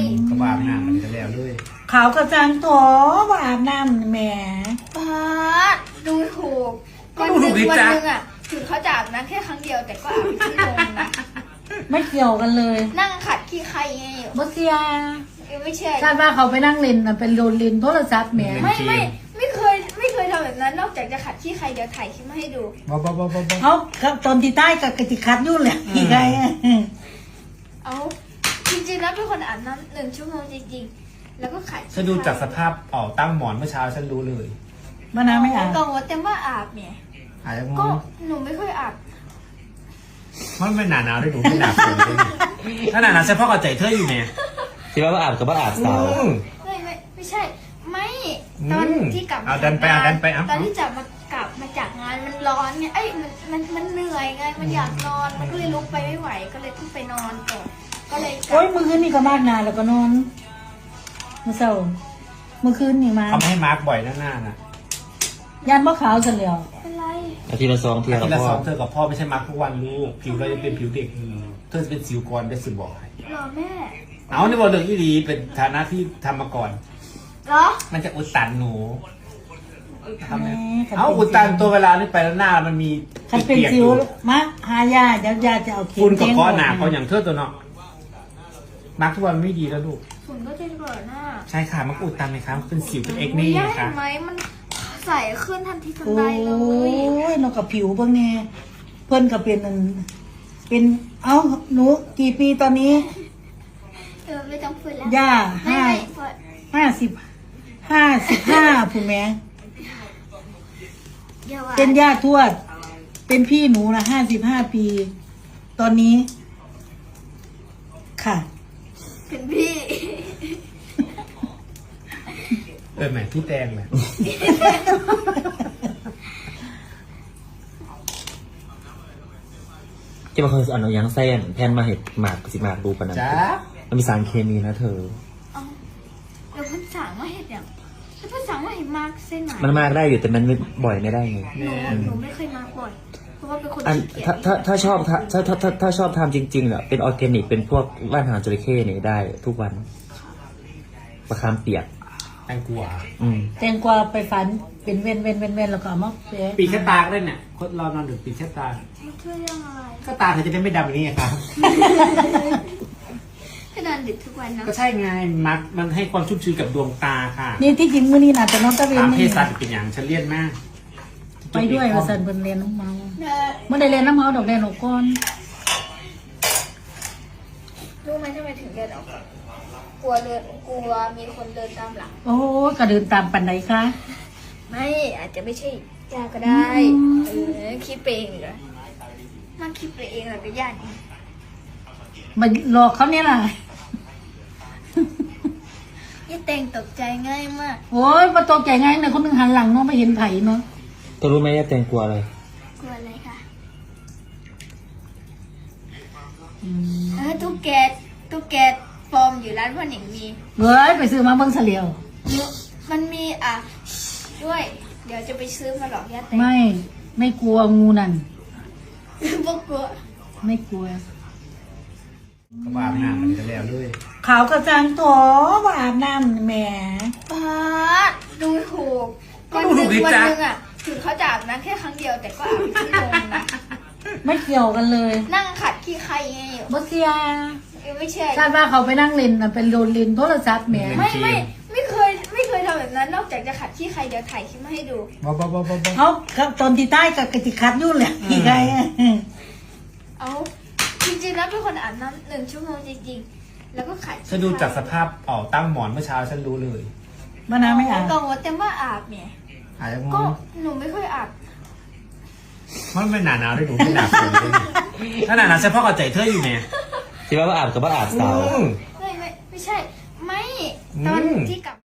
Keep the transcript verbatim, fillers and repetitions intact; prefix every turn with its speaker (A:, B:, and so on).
A: ก็บาปน้ำมันจะแล้วด้วย
B: ขาวกระจังโถว่าอาบน้ำแหม
C: ป้าดดูถูก
A: ก็ดูถูกดิ
C: วัน
A: จ๊ะ
C: หนึงอ่ะถึงเขาจะอาบน้ำแค่ครั้งเดียวแต่ก็อาบเป็นชั่วโมงนะ
B: ไม่เกี่ยวกันเลย
C: นั่งขัดขี้ใครไง
B: บเสีย
C: ไม่เชื่อ
B: คาดว่าเขาไปนั่งเล่นน่ะเป็นโดนเล่นโทรศัพท์แหม
C: ไม่ไม่ไม่เคยไม่เคยทำแบบนั้นนอกจากจะขัดขี้ใครเดี๋ยวถ่ายคลิปมาให้ดู
A: บ้าบ้าบ้าบ้า
B: เขาเขาตอนที่ใต้กับกติคัดยุ่นแหละอีกไง
C: เอาจริงๆแล้วเป็นคนอาบน้ำหนึ่งชั่วโมงจริงๆ แล้วก็ขัดขี้
A: ฉันดูจากสภาพเป่าตั้งหมอนเมื่อเช้าฉันรู้เลย
B: มะนาวไม่อาบ
C: กังวลแต่ว่าอาบเนี่ย
A: อาจจะง
C: ก็
A: ง
C: หนูไม่ค่อยอาบ
A: มันไม่หนาหนาวด้วยหนูไม่หนาฝนด้วยถ้าหนาหนาวเฉพาะกับใจเธออยู่เนี่ย
D: ที่ว่าอาบกับว่าอาบสาว
A: อืม
C: ไม่ไม่ไม่ใช่ ไม่
A: อืม
C: ตอนที่กลับ
A: เอาดันไปเอาดันไปเอา
C: ตอนที่จะมากลับมาจากงานมันร้อนไงเอ้ยมันมันมันเหนื่อยไงมันอยากนอนมันก็เลยลุกไปไม่ไหวก็เลยต้องไปนอนก่อนก็เลยกลั
B: โอ้
C: บ
B: ยเมื่อคืนนี่ก็มากนานแล้วก็นอนเมื่อเช้าเมื่อคืนนี่มา
A: เขาไม่ให้มาร์กบ่อยหน้าหน้าน่ะ
B: ยันมะขาวเสร็จแล้ว
C: เป็นไร
D: อาทิตย์ละสองเที่ยว
A: ที
D: กับ
A: ละ
D: พ่
A: ส
D: อ
A: องเธอกับพ่อไม่ใช่มาร์กทุกวันลูกผิวเราจะเป็นผิวเด็กอยู่เธอจะเป็นสิวก่อนได้สิบอกให้
C: เหรอแม่
A: เอาในบอกเรื่องอีดีเป็นฐานะที่ทำมาก่อน
C: เหรอ
A: มันจะอุดตันหนูทำไง
B: แหม
A: เอาอุดตันตัวเวลานี่ไปแล้วหน้ามันมี
B: คันเป็น
A: เปียกๆ
B: สิ
A: อ
B: ว
A: ยู่
B: มะหายาเดี๋ยวยาจะเอาเข็ม
A: คุณกับ
B: แทง
A: ก้อนหนา
B: ก่
A: เขาอย่างเธอตัวเนาะมาร์กทุกวันไม่ดีแล้วลูก
C: ฝุ่นก็จะเกิดหน้า
A: ใช่ค่ะมันก็อุดตันไหมครับเป็นสิวเป็นเอ็ก
C: ไม่
A: นี่
C: ได้
A: นะ
C: เห็
A: คะ
C: นไหมมันใสขึ้นทันทีทัน
B: โอ้
C: ใดเลย
B: ยนกกับผิวเบิ่งแน่เพิ่นก็เป็นอันเป็นเอ้าหนูกี่ปีตอนนี้
C: เออไม่ต้องพูดแล้ว
B: ย่า
C: ไม่
B: ห้า
C: ไม่พอ
B: ห้าสิบห้าสิบห้าผู้แม่
C: อย่าว่า
B: เป็นย่าทวด เป็นพี่หนูนะห้าสิบห้าปี ตอนนี้ ค่ะ
C: เป็นพี่
A: เออแหมพี่แตงแหละ
D: ที่มันเคยเอาหนังยางเส้นแผ่นมาเห็ดหมากสิหมากดูปะนั้น
A: จ้า
D: มันมีสารเคมีนะเธอ
C: เอาแล้วเพิ่นสั่งว่าเห็ดอย่างแล้วเพิ่นสั่งว่าเห็ดมากเส้นไหน
D: มันมากได้อยู่แต่มันไม่บ่อยไม่ได้ไง
C: หนูหนูไม่เคยมาก่อนเพราะว่าเป็นคน
D: อัน
C: ขี้เกียจ
D: ถ้าถ้าถ้าชอบถ้าถ้าถ้าถ้าถ้าชอบทำจริงๆอ่ะเป็นออร์แกนิกเป็นพวกว่านหางจระเข้เนี่ยได้ทุกวันประคามเปียก
A: แตงกวา
D: อืม
B: แตงกวาไปฝันเป็นเว้นเว้นเว้นเว้นแล้วก็เอามาเปะ
A: ปีกแค่ตาก็ได้เนี่ยคนเรานอนดึกปีกแค่ตา
C: ช่วยเรื่องอะไร
A: ก็ตาเธอจะได้ไม่ดำอย่างนี้ไงครับ
C: ก็นอนดึกทุกวันเนาะ
A: ก็ใช่ไงมักมันให้ความชุ่มชื้นกับดวงตาค่ะ
B: นี่ที่จริงมื้อนี้น่ะแต่น้องตะเวน
A: ตาม
B: นี่
A: เพศสัตว์เป็นอย่างฉันเลี่ยนมาก
B: ไปด้วยว่าซั่นเพิ่นเรียนน้ำเมา
C: เนอะ
B: เมื่อได้เรียนน้ำเมาดอกแดงดอกก้อน
C: รู้ไหมทำไมถึงเดินออกก่อนกลัวเดินกลัวมีคนเดินตามหลัง
B: โอ้ยก็เดินตามปันไหนคะ
C: ไม่อาจจะไม่ใช่ยาก็ได้
B: อืม
C: เออคิดไปเองเหรอนั่งคิดไปเองเหรอก็ยากอีก
B: มาหลอกเขาเนี่ยล่ะ
C: ยี่เต็งตกใจง่ายมาก
B: โอ้ยมาตกใจง่ายเนี่ยคนหนึงหันหลังเนาะไม่เห็นไผเนาะ
D: เธอรู้ไหมว่าแตงกลัวอะไร
C: กลัวอะไรคะ
B: อืม
C: เออตุ๊กแกตุ๊กแกฟอร์มอยู่ร้านพ่อหนิงมี
B: เฮ้ยไปซื้อมาเบิ่งเฉลียว
C: มันมีอ่ะด้วย เดี๋ยวจะไปซื้อมาหลอกย่าเต็ง
B: ไม่ไม่กลัวงูนั่น
C: พวกกลัว
B: ไม่กลัว
A: ก็บาปน้ำมันจะแล้วด้วย
B: ขาวกระจังโถว่าอาบน้ำแหม
C: ป้าดดูถูก
A: ก็
C: วัน
A: ดู
C: ห
A: ถู
C: นึ่
A: ก
C: ง
A: ดิ
C: วัน
A: จ๊ะ
C: หนึ่งอ่ะถึงเขาจะอาบน้ำแค่ครั้งเดียวแต่ก็อาบเป็นชั่วโมงนะ
B: ไม่เกี่ยวกันเลย
C: นั่งขัดขี้ใครไง
B: บเสีย
C: ไม่เชื่อ
B: คาดว่าเขาไปนั่งเล่นน่ะเป็นโดนเล่นโทรศัพท์แหม
C: ไม่ไม่ไม่เคยไม่เคยทำแบบนั้นนอกจากจะขัดขี้ใครเดี๋ยวถ่ายคลิปมาให้ดู
A: บ้าบ้าบ้าบ้าบ้า
B: เขาครับตอนที่ใต้กับกติคัดยุ่นแหละอีกไง
C: เอาจริงๆแล้วเป็นคนอาบน้ำหนึ่งชั่วโมงจริงๆ แล้วก็ขัดขี้
A: ฉันดูจากสภาพเป่าตั้งหมอนเมื่อเช้าฉันรู้เลย
B: มะนาวไม่อาบ
C: กังวลแต่ว่าอาบเนี่ย
A: อาจจะง
C: ก็
A: ง
C: หนูไม่ค่อยอาบ
A: มันไม่หนาหนาวด้วยหนูไม่หนาฝนด้วยถ้าหนาหนาวเฉพาะกับใจเธออยู่เนี่ย
D: ที่ว่าอาบกับว่าอาบสาว
A: อืม
C: ไม่ไม่ไม่ใช่ ไม่ตอน
A: อืม
C: ที่กลับ